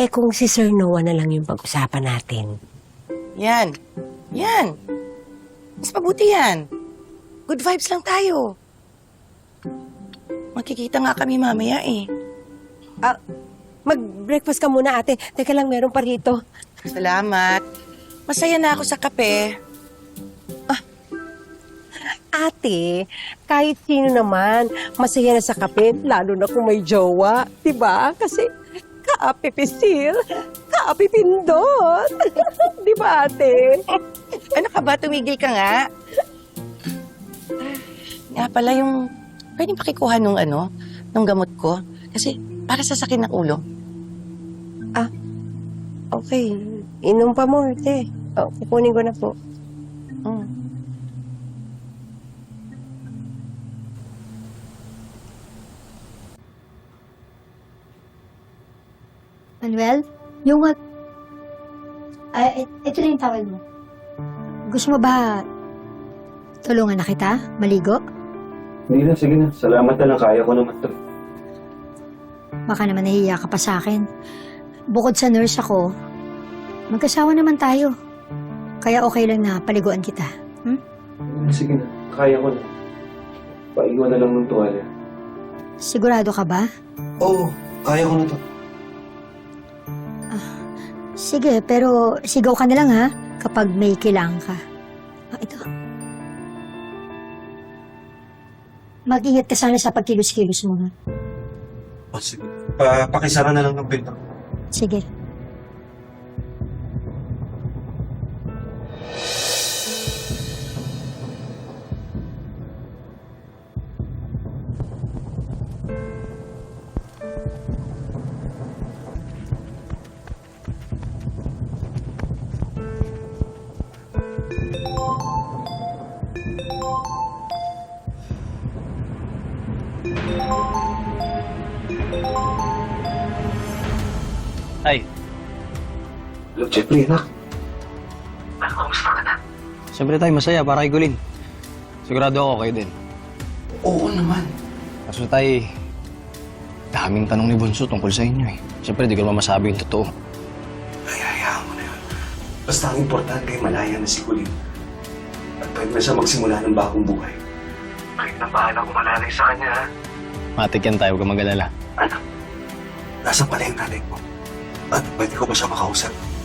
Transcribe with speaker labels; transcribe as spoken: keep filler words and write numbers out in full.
Speaker 1: Eh kung si Sir Noah na lang yung pag-usapan natin.
Speaker 2: Yan. Yan. Mas mabuti yan. Good vibes lang tayo. Magkikita nga kami mamaya eh.
Speaker 1: Ah, mag-breakfast ka muna, ate. Teka lang, meron pa rito.
Speaker 2: Salamat. Masaya na ako sa kape.
Speaker 1: Ate, kahit sino naman, masaya na sa kape, lalo na kung may jowa. Diba? Kasi kaapipisil, kaapipindot. Diba, ate?
Speaker 2: Ano ka ba? Tumigil ka nga. Nga pala yung... Pwedeng pakikuha nung ano, nung gamot ko. Kasi para sa sakit ng ulo.
Speaker 1: Ah, okay. Inom pa mo, ate. Oh, kukunin ko na po.
Speaker 2: Mm.
Speaker 3: Manuel, yung... Uh, ay, ito na yung towel mo. Gusto mo ba tulungan na kita? Maligo?
Speaker 4: Hindi na, sige na. Salamat na lang. Kaya ko naman to.
Speaker 3: Baka naman nahihiya ka pa sa akin. Bukod sa nurse ako, magkasawa naman tayo. Kaya okay lang na paliguan kita. Hmm?
Speaker 4: Sige na. Kaya ko na. Paiwan na lang ng tuwalya.
Speaker 3: Sigurado ka ba?
Speaker 4: Oo. Kaya ko na to.
Speaker 3: Sige, pero sigaw ka na lang ha, kapag may kailangan ka. Ah, ito. Mag-ingat ka sana sa pagkilos-kilos mo, ha?
Speaker 4: Oh, sige. Pa pakisara na lang ng pinto.
Speaker 3: Sige.
Speaker 5: Ay,
Speaker 4: Hello, Jeffrey, anak.
Speaker 5: siyempre tayo masaya para kay Gulin. Sigurado ako kayo din.
Speaker 4: Oo naman.
Speaker 5: Kaso tayo, daming tanong ni Bunso tungkol sa inyo eh. Siyempre, di ko naman masabi yung totoo.
Speaker 4: Ay, hayaan mo na yun. Basta ang importante, malaya na si Colin. At pwede na siya magsimula ng bagong buhay. Kahit na bahala kung malalay sa kanya, ha?
Speaker 5: Matik yan tayo, huwag kang mag-alala.
Speaker 4: Anak, nasa pala yung nanay mo. At pwede ko ba siya makausap?